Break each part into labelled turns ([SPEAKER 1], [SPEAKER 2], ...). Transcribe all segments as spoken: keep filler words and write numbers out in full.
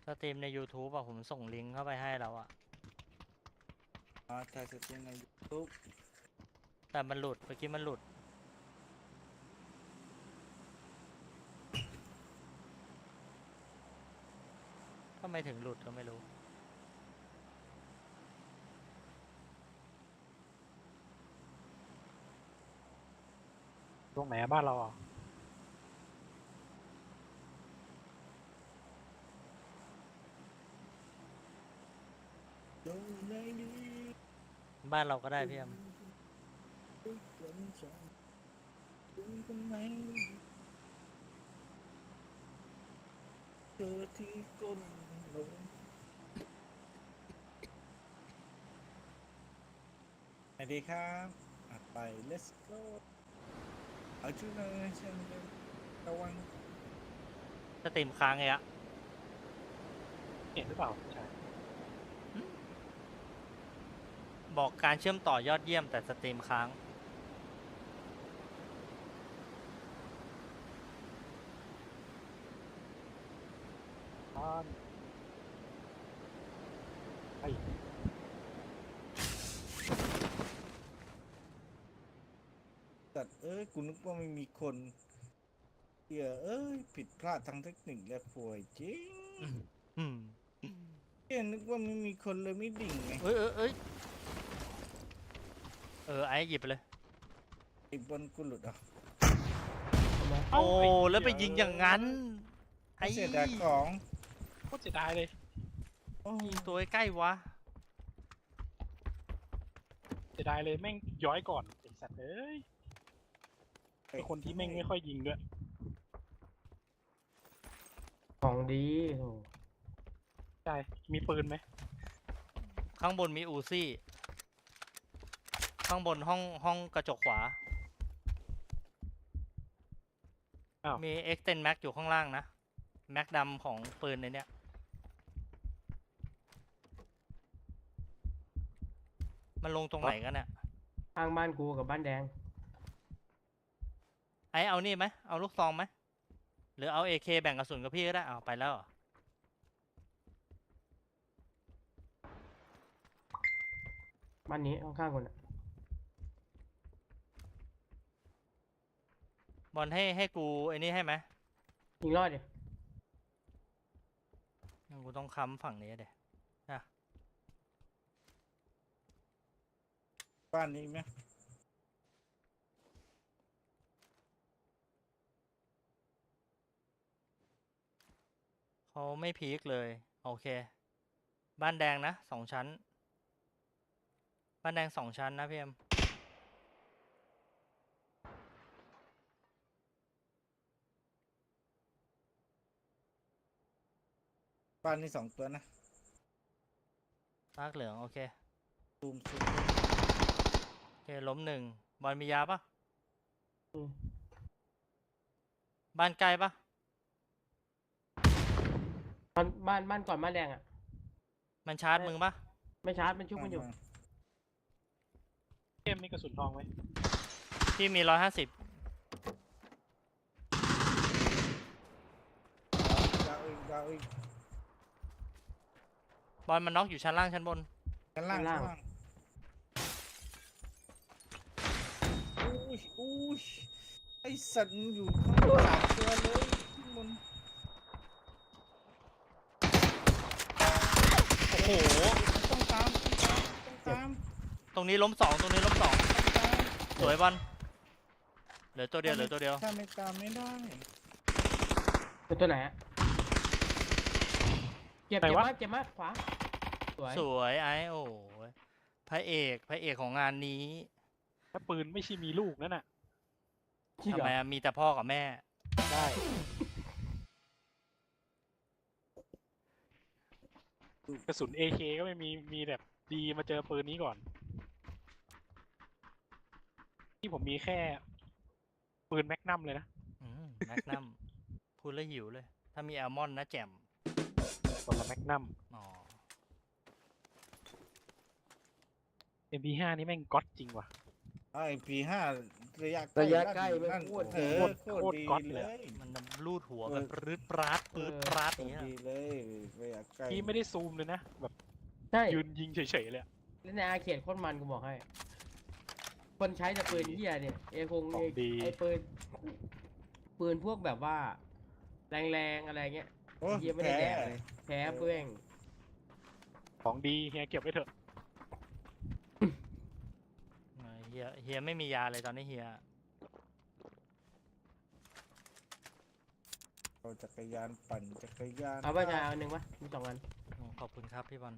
[SPEAKER 1] สตรีมใน YouTube อ่ะผมส่งลิงก์เข้าไปให้แล้วอ่ะ
[SPEAKER 2] อ๋อถ่ายสตรีมใน YouTube
[SPEAKER 1] แต่มันหลุดเมื่อกี้มันหลุดทำไมถึงหลุดก็ไม่รู้
[SPEAKER 3] ตรงไหนบ้านเราอ่ะ
[SPEAKER 1] บ้านเราก็ได้พี่แอม
[SPEAKER 2] เจอที่ก้นลงสวัสดีครับอ่ะไป let's go เอาชุดเลยเช่นเดิมระวัง
[SPEAKER 1] สตรีมค้างไงอะ
[SPEAKER 3] เห็นหรือเปล่าใช่
[SPEAKER 1] บอกการเชื่อมต่อยอดเยี่ยมแต่สตรีมค้าง
[SPEAKER 3] บ้านไอ้
[SPEAKER 2] สัตว์เอ้ยกูนึกว่าไม่มีคนเหี้ยเอ้ยผิดพลาดทางเทคนิคและป่วยจริง
[SPEAKER 1] อืม
[SPEAKER 2] เหี้ยนึกว่าไม่มีคนเลยไม่ดิ่งไง
[SPEAKER 1] เอ้ยเอ้ยเอ้ยเออไอ้หยิบไปเลย
[SPEAKER 2] ไอ้บนกูหลุดอ่ะ
[SPEAKER 1] โอ้แล้วไปยิงอย่างนั้นไอ้
[SPEAKER 2] เสียดายของ
[SPEAKER 3] โคตรเสียดายเลย
[SPEAKER 2] โอ้
[SPEAKER 1] ยิงตัวใกล้วะ
[SPEAKER 3] เสียดายเลยแม่งย้อยก่อนไอ้สัตว์เอ้ยเป็นคนที่แม่งไม่ค่อยยิงด้วย
[SPEAKER 4] ของดีโห
[SPEAKER 3] ใช่มีปืนไหม
[SPEAKER 1] ข้างบนมีอูซี่ข้างบนห้องห้องกระจกขวา
[SPEAKER 3] อ้าว
[SPEAKER 1] มี extend mag อยู่ข้างล่างนะ แม็กดำของปืนในเนี้ยมันลงตรงไหนกันเนี่ย
[SPEAKER 4] ข้างบ้านกูกับบ้านแดง
[SPEAKER 1] ไอเอานี่ไหมเอาลูกซองไหมหรือเอา เอ เค แบ่งกระสุนกับพี่ก็ได้เอาไปแล้วเหรอ
[SPEAKER 4] บ้านนี้ข้างๆคนน่ะ
[SPEAKER 1] บอลให้ให้กูไอ้นี่ให้ไหม
[SPEAKER 4] ยิงรอดดิ
[SPEAKER 1] งั้นกูต้องค้ำฝั่งนี้เดี๋ยนะ
[SPEAKER 2] บ้านนี้ไหม
[SPEAKER 1] เขาไม่พีคเลยโอเค บ้านแดงนะสองชั้น บ้านแดงสองชั้นนะพี่เอ็ม
[SPEAKER 2] บ้านนี้สองตัวนะ
[SPEAKER 1] มากเหลืองโอเค
[SPEAKER 2] ซูมซูม
[SPEAKER 1] โอเคล้มหนึ่งบอลมียาปะ
[SPEAKER 4] อืม
[SPEAKER 1] บ้านใกล้ปะ
[SPEAKER 4] บ้านบ้านบ้านก่อนบ้านแดงอ่ะ
[SPEAKER 1] มันชาร์จมึงปะ
[SPEAKER 4] ไม่ชาร์จมันชุบมันอยู่
[SPEAKER 3] เกมมีกระสุนทองไหม
[SPEAKER 1] พี่มีร้อยห้าสิบ
[SPEAKER 2] ดาวอีกดาวอีก
[SPEAKER 1] บอลมันน็อกอยู่ชั้นล่างชั้นบน
[SPEAKER 2] ชั้นล่าง
[SPEAKER 4] ชั้
[SPEAKER 2] ชั้น
[SPEAKER 4] น
[SPEAKER 2] ล่า
[SPEAKER 4] ล่าง ง
[SPEAKER 2] อุ้ยอุ้ยไอสัตว์มันอยู่ข้างบนสามตัวเลยข้างบน
[SPEAKER 1] โอ้โห
[SPEAKER 2] ต้องตามต้องตาม
[SPEAKER 1] ตรงนี้ล้มสองตรงนี้ล้มสอง
[SPEAKER 2] ต้องตาม
[SPEAKER 1] สวยบอลเหลือตัวเดียวเหลือตัวเดียว
[SPEAKER 2] ถ้าไม่ตามไม่ได้
[SPEAKER 4] เป็นตัวไหนอ่ะเจ็บเจ็บมากเจ็บมากขวาสวย
[SPEAKER 1] สวยไอ้โอ้ยพระเอกพระเอกของงานนี้
[SPEAKER 3] ถ้าปืนไม่ใช่มีลูกนั่นน่ะ
[SPEAKER 4] จริง
[SPEAKER 1] ทำ
[SPEAKER 4] เหร
[SPEAKER 1] ไม
[SPEAKER 4] อ
[SPEAKER 1] อะมีแต่พ่อกับแม่
[SPEAKER 3] ได้ กระสุน เอ เค ก็ไม่มีมีแบบดีมาเจอปืนนี้ก่อน ที่ผมมีแค่ปืนแมกนัมเลยนะ
[SPEAKER 1] อืมแมกนัมพูดแล้วหิวเลย ถ้ามีแอลมอนนะแจ่ม
[SPEAKER 3] คนละแมกนัม
[SPEAKER 1] อ๋อ
[SPEAKER 3] เอ็ม พี ห้า นี่แม่งก๊อตจริงว่ะ
[SPEAKER 2] ไอพีห้าระยะ
[SPEAKER 4] ระยะใกล้
[SPEAKER 2] ลั่น
[SPEAKER 4] ไม่
[SPEAKER 2] ลั่น
[SPEAKER 4] โคตร
[SPEAKER 2] เออโคตรดีเลย
[SPEAKER 1] มันรูดหัว
[SPEAKER 2] เอ
[SPEAKER 1] แบ
[SPEAKER 2] อ
[SPEAKER 1] บปรืดปราดปรืดปราด
[SPEAKER 2] โค
[SPEAKER 1] อย่าง
[SPEAKER 2] ตร
[SPEAKER 1] เงี้ย
[SPEAKER 2] ดีเลยระยะใกล้
[SPEAKER 3] พี่ไม่ได้ซูมเลยนะ แบบ
[SPEAKER 4] ใช่
[SPEAKER 3] ยืนยิงเฉยๆเลยอะ
[SPEAKER 4] เล่นในอาเขตโคตรมันกูบอกให้ คนใช้แต่ปืนเหี้ยเนี่ยเอคง
[SPEAKER 3] ขอ
[SPEAKER 4] เอง
[SPEAKER 3] ดี
[SPEAKER 4] ไอปืนปืนพวกแบบว่า แรงๆอะไรเงี้ย
[SPEAKER 2] โอ้
[SPEAKER 4] เหี้ยไม่ได้แดกเลยแพ้เพื่อง
[SPEAKER 3] ของดีเฮียเก็บไว้เถอะ
[SPEAKER 1] เออเฮียเฮียไม่มียาเลยตอนนี้เฮีย
[SPEAKER 2] เอาจักรยานปั่นจักรยาน
[SPEAKER 4] เอาไปชายเอาอันหนึ่งวะมีสองอัน
[SPEAKER 1] อืมขอบคุณครับพี่บอล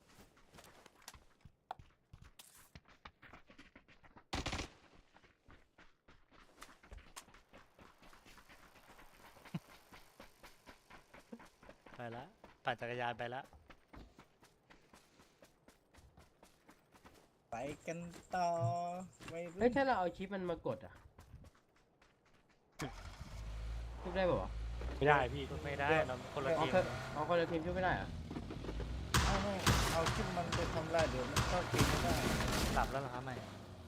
[SPEAKER 1] ไปละปั่นจักรยานไปละ
[SPEAKER 2] ไปกันต่อไม่รู้
[SPEAKER 4] เฮ้ยถ้าเราเอาชิปมันมากดอ่ะชุบได้ป่าวะ
[SPEAKER 3] ไม่ได้พี่
[SPEAKER 1] ไม่ได้เราคนละ
[SPEAKER 4] เอา
[SPEAKER 1] ทีม
[SPEAKER 4] เคยเอาคนละทีมชุบไม่ได้เหรอะ
[SPEAKER 2] เอาไม่เอาขึ้นมันไปทำลายเดี๋ยวมันเข้าทีมไม่ได้
[SPEAKER 1] หลับแล้วเหรอครับไม่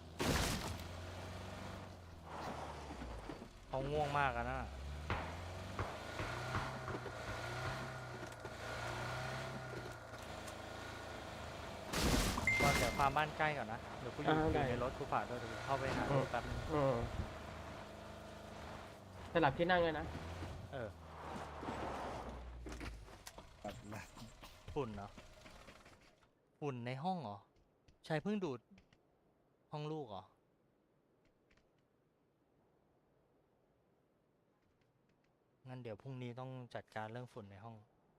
[SPEAKER 1] เขาง่วงมากอะนะก่อนเดี๋ยวพาบ้านใกล้ก่อนนะ เดี๋ยวกูอยู่อยู่ในรถกูฝากด้วยเดี๋ยวกูเข้าไปหาดูแป๊บนึง
[SPEAKER 4] อืมสลับที่นั่งเลยนะ
[SPEAKER 1] เออ
[SPEAKER 2] ปัดละ
[SPEAKER 1] ฝุ่นเหรอ ฝุ่นในห้องเหรอชายเพิ่งดูดห้องลูกเหรอ งั้นเดี๋ยวพรุ่งนี้ต้องจัดการเรื่องฝุ่นในห้อง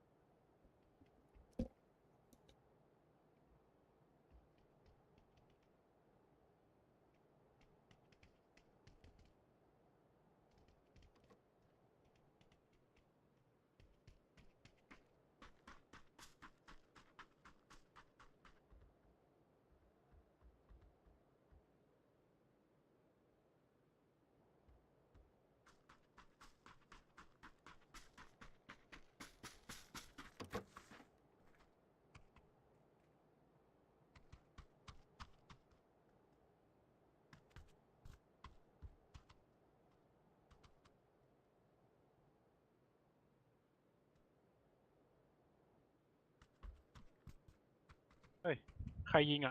[SPEAKER 3] ใครยิงอ่ะ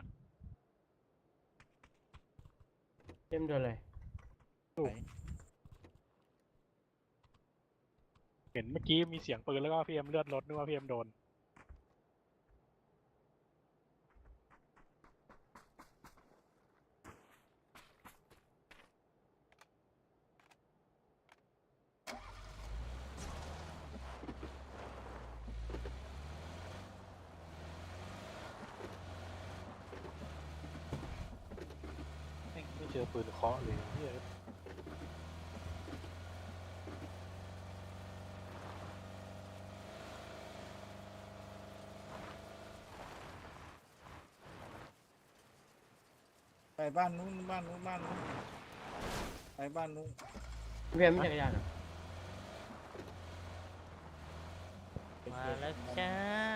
[SPEAKER 4] เต็มโดนเลย
[SPEAKER 3] เห็นเมื่อกี้มีเสียงปืนแล้วก็พี่เอ็มเลือดรถนึกว่าพี่เอ็มโดน ไม่ไม่เจอปืนเคาะเลยเหี้ย
[SPEAKER 2] ไปบ้านนู้นบ้านนู้นบ้านนู้นไปบ้านนู้น
[SPEAKER 4] เพียมมีจักรยานเหรอ
[SPEAKER 1] มาแล้วจ้า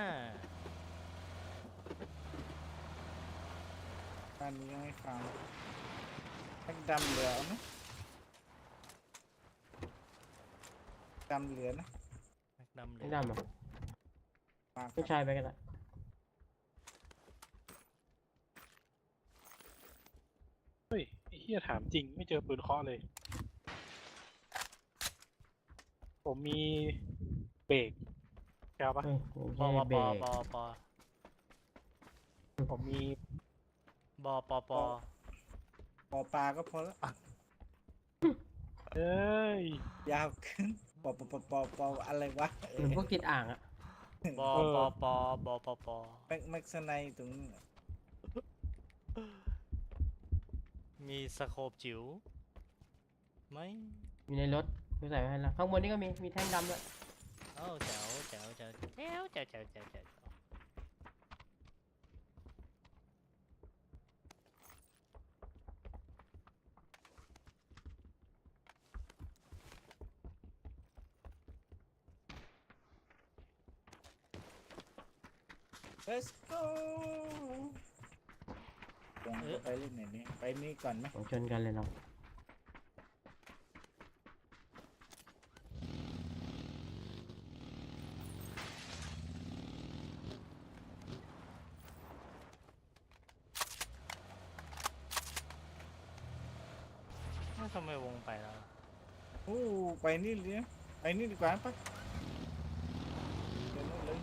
[SPEAKER 2] บ้านนี้ยังไม่ฟังแม็กดำเหลือเอาไหมดำเหลือนะ
[SPEAKER 1] แม็กดำเล
[SPEAKER 4] ไม่
[SPEAKER 1] ย
[SPEAKER 4] ดำเหรอ
[SPEAKER 2] มาค
[SPEAKER 4] ผู้
[SPEAKER 2] รับ
[SPEAKER 4] ชายไปกันละ
[SPEAKER 3] เฮ้ยไอ้เฮียถามจริงไม่เจอปืนเคาะเลย ผมมีเบรกแก้วปะ
[SPEAKER 4] เฮ้ย
[SPEAKER 1] ปอ
[SPEAKER 4] ไม่
[SPEAKER 1] ป
[SPEAKER 4] ใช่
[SPEAKER 1] อ
[SPEAKER 4] เบร
[SPEAKER 1] ป
[SPEAKER 4] ก
[SPEAKER 1] อปอ
[SPEAKER 3] ผมมี
[SPEAKER 1] บอปอปอ
[SPEAKER 2] ปอปลาก็พอแล้ว
[SPEAKER 3] เอ้ย
[SPEAKER 2] ยาวขึ้นปอปอปอปอปออะไรวะเอ
[SPEAKER 4] เหมือน
[SPEAKER 2] อ
[SPEAKER 4] พวกติดอ่างอะ
[SPEAKER 1] บอ
[SPEAKER 3] เออ
[SPEAKER 1] ปอปอบอปอปอ
[SPEAKER 2] แม็กแม็กซ์ไนตรงนี้น
[SPEAKER 1] มีสโคปจิ๋วไหม
[SPEAKER 4] อยู่ในรถกูใส่ไว้ให้แล้วข้างบนนี่ก็มี มีแท่งดำด้วย
[SPEAKER 1] เอ้าแจ๋วแจ๋วแจ๋วแจ๋วแจ๋วแจ๋วแจ๋วแจ๋ว
[SPEAKER 2] เลสโก้ลงไปเล่นไหนนี่ไปนี่ก่อนไหม
[SPEAKER 4] ของชนกันเลยเรา
[SPEAKER 1] ทำไมวงไปแล้ว
[SPEAKER 2] โอ้ไปนี่เลยนะไปนี่ดีกว่าปะเดี๋ยวนู่นเลย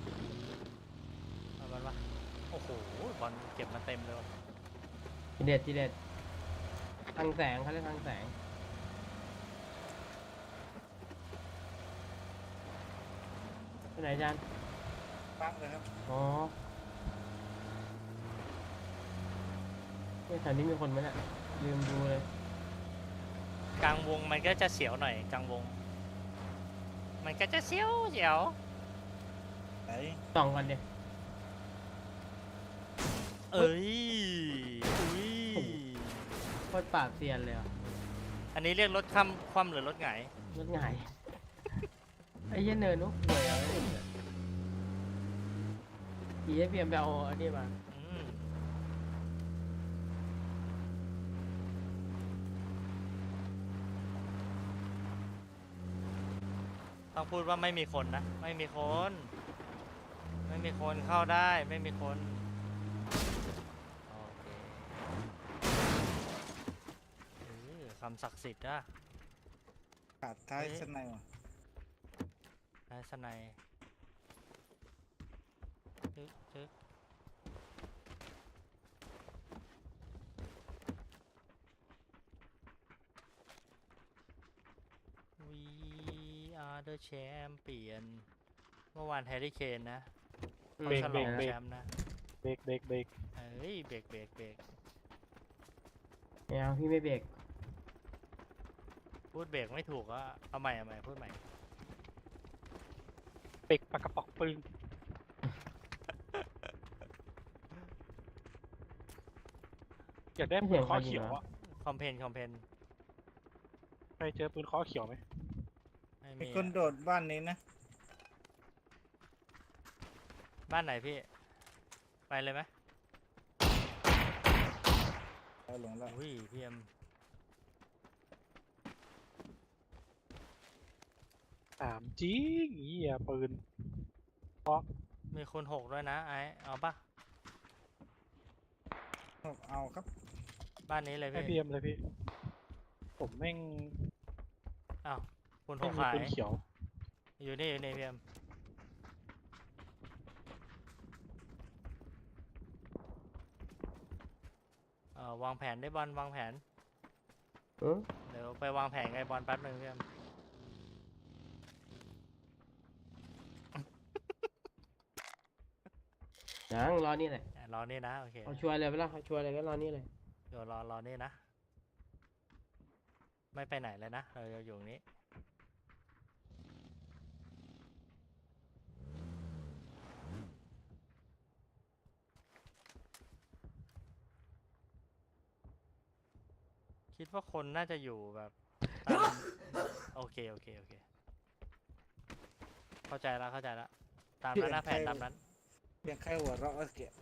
[SPEAKER 1] เอาบอลวะโอ้โหบอลเก็บมาเต็มเลยว่ะ
[SPEAKER 4] ทีเด็ดทีเด็ดทางแสงเขาเรียกทางแสงไปไหนจาน
[SPEAKER 2] ปังเลยครับ
[SPEAKER 4] อ๋อเนี่ยแถวนี้มีคนไหมเนี่ยลืมดูเลย
[SPEAKER 1] กลางวงมันก็จะเสียวหน่อยกลางวง มันก็จะเสียวเสียว
[SPEAKER 2] ไหน
[SPEAKER 4] ส่องกันดิ
[SPEAKER 1] เอ้ยอุ้ย
[SPEAKER 4] โคตรปราบเซียนเลยอ่ะ
[SPEAKER 1] อันนี้เรียกรถคว่ำคว่ำหรือรถหงาย
[SPEAKER 4] รถหงาย ไอ้เหี้ยเนินนุ๊กป่วยเอาไว้เนี่ยอีเอฟเอ็มไปเอาอันนี้มา
[SPEAKER 1] อืมต้องพูดว่าไม่มีคนนะ ไม่มีคน ไม่มีคนเข้าได้ไม่มีคนโอเคเออคำศักดิ์สิทธิ์นะ
[SPEAKER 2] ขาดท้าย
[SPEAKER 1] เอ๊ะ
[SPEAKER 2] สนายว่ะ
[SPEAKER 1] นายสนัยจึ๊กจึ๊ก We are the champion เมื่อวานแฮร์รี่เคนนะ
[SPEAKER 4] อืม
[SPEAKER 1] เขาฉลอง
[SPEAKER 3] เบรก
[SPEAKER 1] แชมป์นะ
[SPEAKER 3] เบรกเบรกเบรก
[SPEAKER 1] เอ้ยเบรกเบรกเบรก
[SPEAKER 4] ไม่เอาพี่ไม่เบรก
[SPEAKER 1] พูดเบรกไม่ถูกก็เอาใหม่เอาใหม่พูดใหม่
[SPEAKER 3] เบรกปากกระป๋องปืนอยากได้ปืนเคอเขียวอ่ะ
[SPEAKER 1] คอมเพนคอมเพน
[SPEAKER 3] ใครเจอปืนเคอเขียวไหม
[SPEAKER 1] ไม่
[SPEAKER 2] มี
[SPEAKER 1] มี
[SPEAKER 2] คน
[SPEAKER 1] อะ
[SPEAKER 2] โดดบ้านนี้นะ
[SPEAKER 1] บ้านไหนพี่ ไปเลยไหม
[SPEAKER 2] เอาหลงแล้ว
[SPEAKER 1] อุ้ยพี่เอ็ม
[SPEAKER 3] ถามจริงเหี้ยปืน
[SPEAKER 1] มีคนหกด้วยนะไอเอาปะ
[SPEAKER 2] เอาครับ
[SPEAKER 1] บ้านนี้เลย
[SPEAKER 3] ให้
[SPEAKER 1] พี่
[SPEAKER 3] เบียมเลยพี่ ผมแม่ง
[SPEAKER 1] อ้าวคุณห
[SPEAKER 3] ไม่
[SPEAKER 1] ก
[SPEAKER 3] มี
[SPEAKER 1] ขาย
[SPEAKER 3] ปืนเขียว
[SPEAKER 1] อยู่นี่อยู่นี่พี่เอ็มเอ่อวางแผนได้บอลวางแผน
[SPEAKER 4] เออ
[SPEAKER 1] เดี๋ยวไปวางแผนไงบอลแป๊บหนึ่งพี่เอ็ม
[SPEAKER 4] ยังรอนี่แหละ
[SPEAKER 1] อ่ะรอนี่นะโอเค
[SPEAKER 4] เอาชัวร์เลยไปละเอาชัวร์เลยก็รอนี่เลย
[SPEAKER 1] เดี๋ยวรอรอนี่นะ ไม่ไปไหนเลยนะเราจะอยู่ตรงนี้ คิดว่าคนน่าจะอยู่แบบตามโอเคโอเคโอเค เข้าใจแล้วเข้าใจแล้วตามนั้นนะแผนตามนั้น
[SPEAKER 2] เพียงแค่หัวเราะก็เกลียด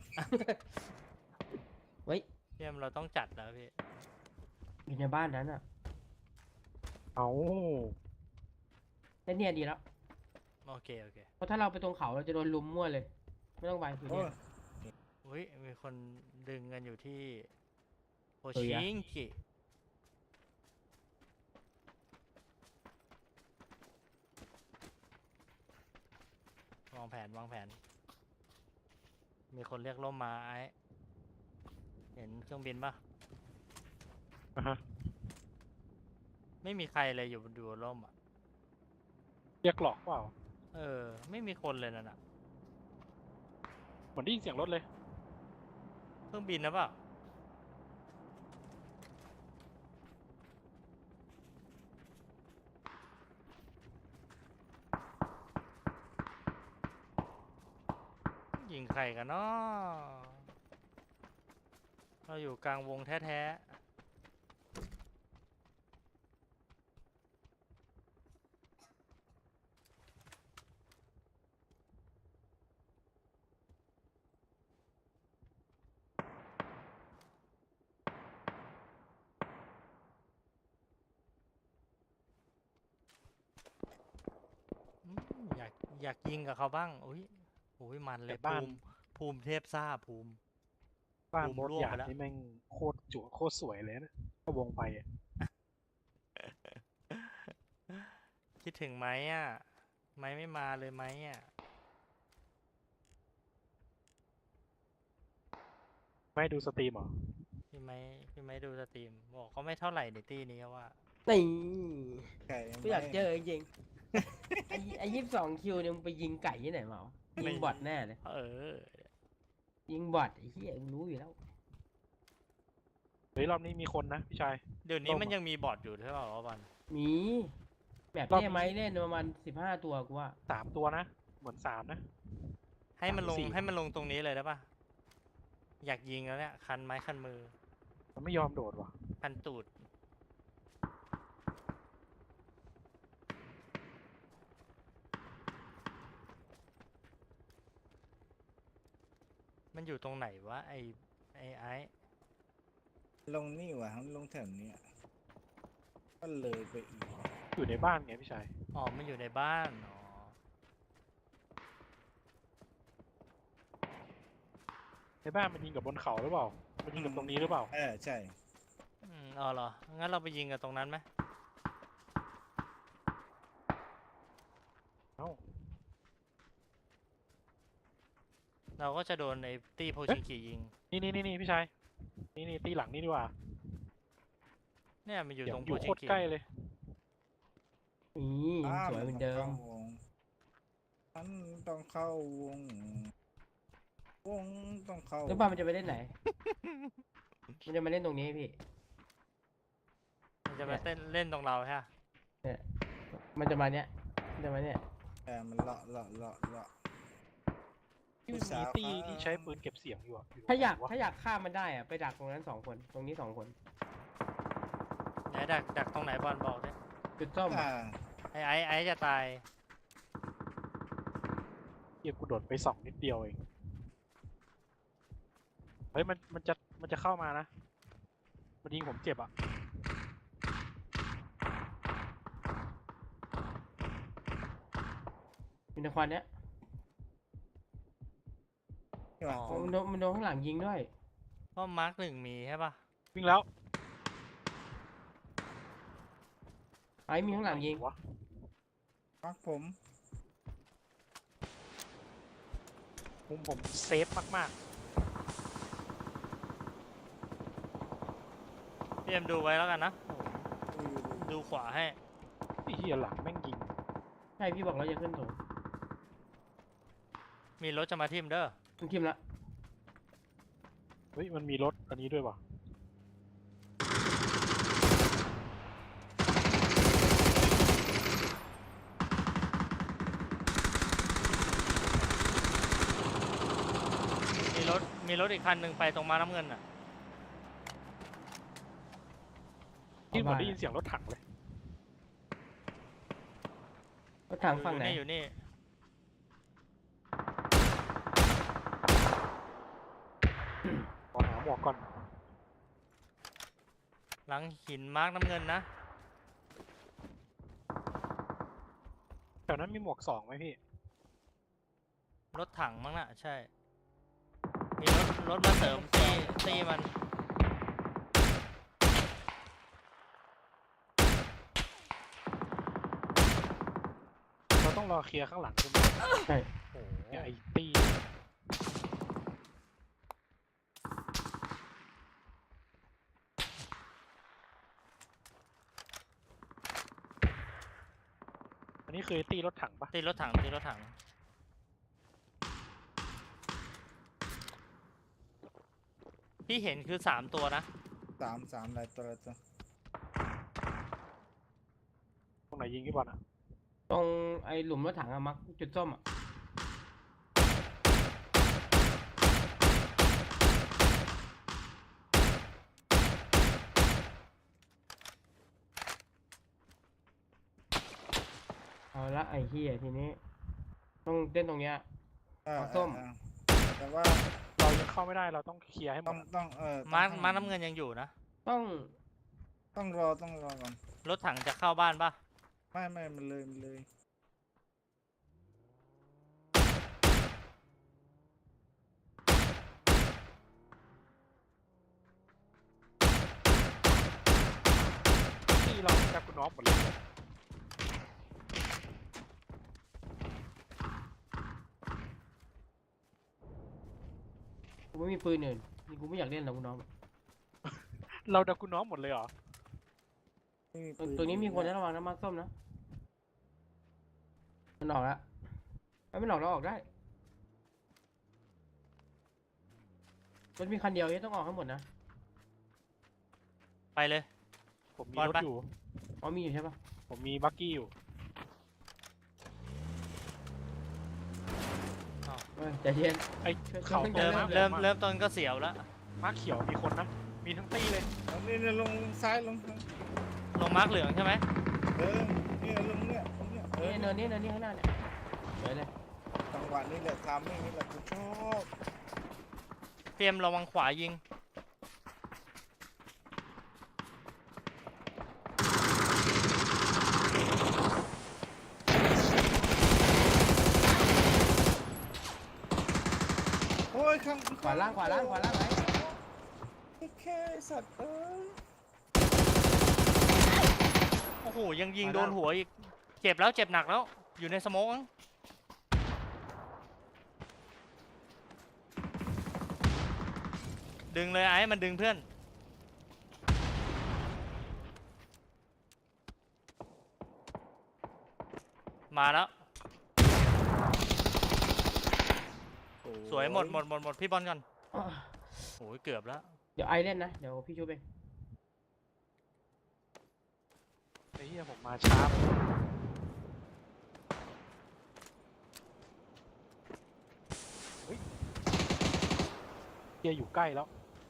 [SPEAKER 4] เฮ้ย
[SPEAKER 1] พี่เอ็มเราต้องจัดแล้วพี่
[SPEAKER 4] อยู่ในบ้านนั้นอ่ะ
[SPEAKER 3] เอา
[SPEAKER 4] แต่เนี่ยดีแล้ว
[SPEAKER 1] โอเคโอเค
[SPEAKER 4] เพราะถ้าเราไปตรงเขาเราจะโดนลุมมั่วเลย ไม่ต้องไปคือ
[SPEAKER 2] โอ้
[SPEAKER 4] เนี่ย ย
[SPEAKER 1] อุ้ยมีคนดึงกันอยู่ที่โอ
[SPEAKER 4] เฮ้ย
[SPEAKER 1] ชิ
[SPEAKER 4] อะ
[SPEAKER 1] งกิวางแผนวางแผน มีคนเรียกล่มมาไอ้เห็นเครื่องบินปะ
[SPEAKER 3] อ่ะฮะ
[SPEAKER 1] ไม่มีใครเลยอยู่บนดูร่มอ่ะ
[SPEAKER 3] เรียกหลอกเปล่า
[SPEAKER 1] เออ ไม่มีคนเลยนั่นอ่ะ
[SPEAKER 3] เหมือนได้ยินเสียงรถเลย
[SPEAKER 1] เครื่องบินนะเปล่ายิงใครกันเนาะเราอยู่กลางวงแท้ๆอืมอยากอยากยิงกับเขาบ้างอุ้ยอุ้ยมันเลย
[SPEAKER 3] แต่บ้าน
[SPEAKER 1] ภูมิภูมิเทพซ่าภูมิ
[SPEAKER 3] บ้าน
[SPEAKER 1] บูม
[SPEAKER 3] โบส
[SPEAKER 1] ร่วง
[SPEAKER 3] หยา
[SPEAKER 1] ไป
[SPEAKER 3] ด
[SPEAKER 1] แล้ว
[SPEAKER 3] นี่แม่งโคตรจั่วโคตรสวยเลยนะถ้าวงไปอะ
[SPEAKER 1] คิดถึงไหมอ่ะไหมไม่มาเลยไหมอ่ะ
[SPEAKER 3] ไม่ดูสตรีมเหรอ
[SPEAKER 1] พี่ไหมพี่ไหมดูสตรีมบอกก็ไม่เท่าไหร่ในตี้นี้ว่า
[SPEAKER 4] นี่
[SPEAKER 2] ไก่
[SPEAKER 4] กูอยากเจอจริงๆไอ้ไอ้ยี่สิบสองคิวเนี่ยมึงไปยิงไก่ที่ไหนมาวะยิงบอทแน่เลย
[SPEAKER 1] เออ
[SPEAKER 4] ยิงบอทไอ้เหี้ยกูรู้อยู่แล้ว
[SPEAKER 3] เฮ้ยรอบนี้มีคนนะพี่ชาย
[SPEAKER 1] เดี๋ยวนี้
[SPEAKER 3] ต้ม
[SPEAKER 1] มันยังมีบอทอยู่ใช่เปล่าวะบัน
[SPEAKER 4] มีแบบ
[SPEAKER 3] รอบ
[SPEAKER 4] เนี้
[SPEAKER 3] นี้
[SPEAKER 4] ไหมเล่นประมาณสิบห้าตัวกูว่า
[SPEAKER 3] สามตัวนะ เหมือนสามนะ
[SPEAKER 1] ให้มันลง
[SPEAKER 3] สามสี่
[SPEAKER 1] ให้มันลงตรงนี้เลยได้ปะอยากยิงแล้วเนี่ยคันไม้คันมือ
[SPEAKER 3] มันไม่ยอมโดดว่ะ
[SPEAKER 1] คันตูดมันอยู่ตรงไหนวะไอไอไอ
[SPEAKER 2] ลงนี่ว่ะลงแถวเนี้ยก็เลยไปอีก
[SPEAKER 3] อยู่ในบ้านไงพี่ชาย
[SPEAKER 1] อ๋อมันอยู่ในบ้านอ๋อ
[SPEAKER 3] ในบ้านมันยิงกับบนเขาหรือเปล่า มันยิงกับตรงนี้หรือเปล่า
[SPEAKER 2] เออใช่
[SPEAKER 1] อืมอ๋อเหรองั้นเราไปยิงกันตรงนั้นไหม
[SPEAKER 3] เอ้า
[SPEAKER 1] เราก็จะโดนไอตี้โพชิงกิยิง
[SPEAKER 3] นี่นี่นี่นี่พี่ชาย นี่นี่ตีหลังนี่ดีกว่า
[SPEAKER 1] เนี่ยมันอยู่
[SPEAKER 3] เดี๋ย
[SPEAKER 1] ต
[SPEAKER 3] ว
[SPEAKER 1] รง
[SPEAKER 3] อ
[SPEAKER 1] โพ
[SPEAKER 3] ยู่
[SPEAKER 1] ชิ
[SPEAKER 3] โค
[SPEAKER 1] ง
[SPEAKER 3] ตร
[SPEAKER 1] กิ
[SPEAKER 3] ใกล้เลย
[SPEAKER 4] นี่
[SPEAKER 2] อ้าว
[SPEAKER 4] สวยเหมือนเดิม
[SPEAKER 2] มันต้องเข้าวง วงต้องเข้า
[SPEAKER 4] แล้วบ้านมันจะไปเล่นไหน มันจะมาเล่นตรงนี้พี่
[SPEAKER 1] มันจะมาเต้นเล่นตรงเราใช่ปะ
[SPEAKER 4] เนี่ยมันจะมาเนี้ยมันจะมาเนี้ย
[SPEAKER 2] แต่มันเลาะเลาะเลาะเลาะ
[SPEAKER 3] ที่มันมีตีที่ใช้ปืนเก็บเสียงอยู่อะอยู่
[SPEAKER 4] ถ้าอยาก
[SPEAKER 3] ไหนวะ
[SPEAKER 4] ถ้าอยากฆ่ามันได้อะไปดักตรงนั้นสองคน ตรงนี้สองคน
[SPEAKER 1] ไหนดักดักตรงไหนบอลบอกดิ
[SPEAKER 4] จุดส้มอะ
[SPEAKER 2] อ่า
[SPEAKER 1] ไอไอไอจะตาย
[SPEAKER 3] เกียกูโดดไปสองนิดเดียวเอง เฮ้ยมันมันจะมันจะเข้ามานะ มันยิงผมเจ็บอ่ะ
[SPEAKER 4] มีในควันเนี้ย
[SPEAKER 2] ที่ว่า
[SPEAKER 1] อ๋อ
[SPEAKER 4] มันโดนมันโดนข้างหลังยิงด้วย
[SPEAKER 1] ก็มาร์กหนึ่งมีใช่ปะ
[SPEAKER 3] วิ่งแล้ว
[SPEAKER 4] ไอ้มีข้างหลังยิง
[SPEAKER 3] วะ
[SPEAKER 2] พักผม
[SPEAKER 3] มุมผมเซฟมาก
[SPEAKER 1] พี่เอ็มดูไว้แล้วกันนะ
[SPEAKER 2] ดูอยู่ดู
[SPEAKER 1] ดูขวาให้
[SPEAKER 3] ๆไอ้เหี้ยหลังแม่งยิง
[SPEAKER 4] ใช่พี่บอกเราจะขึ้นสูง
[SPEAKER 1] มีรถจะมาทิมเด้อ
[SPEAKER 4] มันทิมละ
[SPEAKER 3] เฮ้ยมันมีรถอันนี้ด้วยวะ
[SPEAKER 1] มีรถมีรถอีกคันหนึ่งไปตรงมาน้ำเงินอ่ะ
[SPEAKER 3] ที่เหมือนได้ยินเสียงรถถังเลย
[SPEAKER 4] รถถังฝั่งไหน
[SPEAKER 1] อยู่นี่อยู่นี่
[SPEAKER 3] ขอหาหมวกก่อน
[SPEAKER 1] หลังหินมาร์กน้ำเงินนะ
[SPEAKER 3] แถวนั้นมีหมวกสองไหมพี่
[SPEAKER 1] รถถังมั้งน่ะใช่ มีรถรถมาเสริมตีตีมัน
[SPEAKER 3] เราต้องรอเคลียร์ข้างหลังใช่ไหม
[SPEAKER 4] ใช่
[SPEAKER 1] โอ้โห
[SPEAKER 3] เนี่ยไอ้ตี้อันนี้คือตีรถถังปะ
[SPEAKER 1] ตีรถถังตีรถถัง ที่เห็นคือสามตัวนะ
[SPEAKER 2] สามสามอะไรตัวละตัว
[SPEAKER 3] ตรงไหนยิงพี่บอลอ่ะ
[SPEAKER 4] ตรงไอ้หลุมรถถังอะมักจุดส้มอะเอาละไอ้เหี้ยทีนี้ ต้องเต้นตรงเนี้ย
[SPEAKER 2] เออ
[SPEAKER 4] เอาส้ม
[SPEAKER 2] เออแต่ว่า
[SPEAKER 3] เรายังเข้าไม่ได้เราต้องเคลียร์ให้หม
[SPEAKER 2] ต้อง
[SPEAKER 3] ดอะ
[SPEAKER 2] ต้องเออต้อง
[SPEAKER 1] มาร์ก
[SPEAKER 2] ให้
[SPEAKER 1] มาร์กน้ำเงินยังอยู่นะ
[SPEAKER 4] ต้อง
[SPEAKER 2] ต้องรอต้องรอก่อน
[SPEAKER 1] รถถังจะเข้าบ้านปะ
[SPEAKER 2] ไม่ไม่มันเลยมันเลย
[SPEAKER 3] ตีเราจับคุณน้องหมดเลย
[SPEAKER 4] กูไม่มีปืนอื่นนี่กูไม่อยากเล่นแล้วกูน้อง
[SPEAKER 3] เราดักกูน้องหมดเลยเหรอ
[SPEAKER 2] ไม่มี
[SPEAKER 4] ตรง
[SPEAKER 2] ปื
[SPEAKER 4] ตรงนี้มีคน
[SPEAKER 2] แล้
[SPEAKER 4] นะ
[SPEAKER 2] ว
[SPEAKER 4] ระวังนะมาร์คส้มนะมันออกแล้วไม่ไม่ออกแล้วออกได้รถมีคันเดียวที่ต้องออกให้หมดนะ
[SPEAKER 1] ไปเลย
[SPEAKER 3] ผมมี
[SPEAKER 1] บอล
[SPEAKER 3] รถ
[SPEAKER 1] ปะ
[SPEAKER 3] อยู่
[SPEAKER 4] อ๋อมีอยู่ใช่ปะ
[SPEAKER 3] ผมมีบักกี้อยู่
[SPEAKER 4] เฮ้ยใจเย็น
[SPEAKER 3] ไอ้
[SPEAKER 4] ช่วย
[SPEAKER 3] เขา
[SPEAKER 4] ช่วย
[SPEAKER 3] ตร
[SPEAKER 1] เริ่
[SPEAKER 3] ง
[SPEAKER 1] ม
[SPEAKER 3] มาร์ค
[SPEAKER 1] เริ่ม
[SPEAKER 3] หลือง
[SPEAKER 1] เริ่มต้นก็เสียวแล้ว
[SPEAKER 3] มาร์คเขียวมีคนนะ มีทั้งตี้เลย
[SPEAKER 2] เอานี่เนี่ยลงซ้ายลง
[SPEAKER 1] ลงมาร์กเหลืองใช่ไหม
[SPEAKER 2] เออเนี่ยลงเนี่ยลงเนี่ยเออ
[SPEAKER 4] นี่เนินนี่เนินนี่ข้างหน้าเนี่ยไปเลย
[SPEAKER 2] จังหวะนี้แหละทำไม่นี่แหละกูชอบ
[SPEAKER 1] เตรียมระวังขวายิง
[SPEAKER 2] โอ้ยข้าง
[SPEAKER 4] ขวาล่างขวาล่างขวาล่างไหน
[SPEAKER 2] แค่สัตว์เอ้ย
[SPEAKER 1] โอ้โหยังยิงโดนหัวอีก เจ็บแล้วเจ็บหนักแล้ว อยู่ในสโมกมั้งดึงเลยไอ้มันดึงเพื่อน มาแล้ว
[SPEAKER 2] โอ้
[SPEAKER 1] สวยหมดหมดหมดหมดพี่บอลก่อน
[SPEAKER 4] อ้อ
[SPEAKER 1] โอ้ยเกือบแล้ว
[SPEAKER 4] เดี๋ยวไอเล่นนะเดี๋ยวพี่ชูเอง
[SPEAKER 3] ไอ้เหี้ยผมมาช้าไปเฮ้ยเหี้ยอยู่ใกล้แล้ว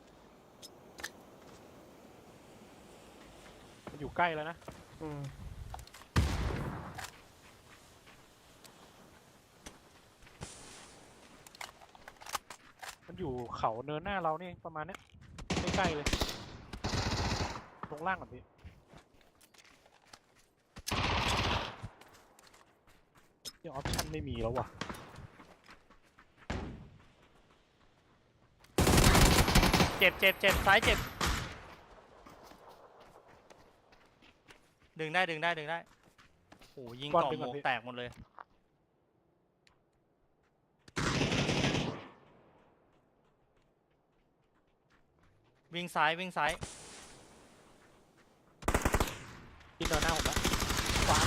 [SPEAKER 3] มันอยู่ใกล้แล้วนะ
[SPEAKER 4] อืม
[SPEAKER 3] มันอยู่เขาเนินหน้าเรานี่ประมาณเนี้ยใกล้ๆเลยลงล่างก่อนพี่เดี๋ยวออปชั่นไม่มีแล้วว่ะ
[SPEAKER 1] เจ็บเจ็บเจ็บซ้ายเจ็บ ดึงได้ดึงได้ดึงได้ โอ้โหยิง
[SPEAKER 3] บอล
[SPEAKER 1] เกาะ
[SPEAKER 3] ดึง
[SPEAKER 1] หม
[SPEAKER 3] ก่อน
[SPEAKER 1] วก
[SPEAKER 3] พี่
[SPEAKER 1] แตกหมดเลย วิ่งซ้ายวิ่งซ้าย
[SPEAKER 3] ที่เนินหน้าผมแล้วขวา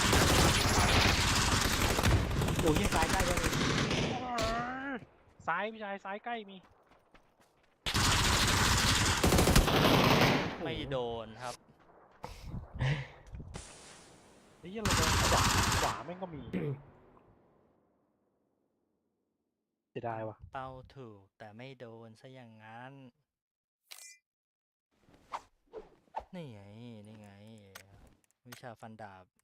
[SPEAKER 4] โอ้ยยิงซ้ายใกล้เลย
[SPEAKER 3] ซ้ายพี่ชายซ้ายใกล้มี
[SPEAKER 1] ไม่โดนครับ
[SPEAKER 3] ไอ้เหี้ยเราเดินขวาขวาแม่งก็มี เสียดายว่ะ
[SPEAKER 1] เป้าถูกแต่ไม่โดนซะอย่างนั้น นี่ไง นี่ไง วิชาฟันดาบ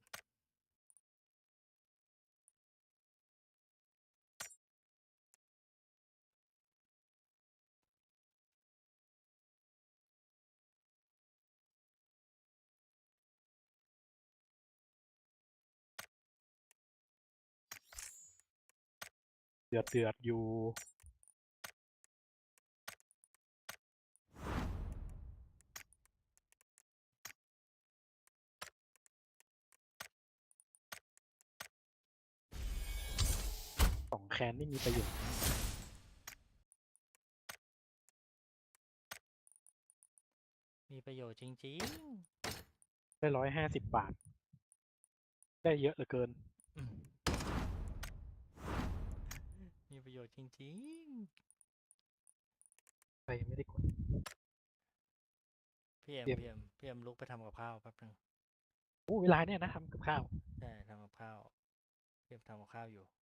[SPEAKER 3] เดือดเดือดอยู่ สองแคนนี่มีประโยชน์
[SPEAKER 1] มีประโยชน์จริง
[SPEAKER 3] ได้ร้อยห้าสิบบาท ได้เยอะเหลือเกิน
[SPEAKER 1] ๆอืมมีประโยชน์จริง
[SPEAKER 3] ไปยังไม่ได้กด
[SPEAKER 1] ๆ พี่เอ็ม
[SPEAKER 3] เยี่ยม
[SPEAKER 1] พี่เอ็มพี่เอ็มลุกไปทำกับข้าวแป๊บนึง
[SPEAKER 3] โอ้เวลาเนี่ยนะทำกับข้าว
[SPEAKER 1] ใช่ทำกับข้าวพี่เอ็มทำกับข้าวอยู่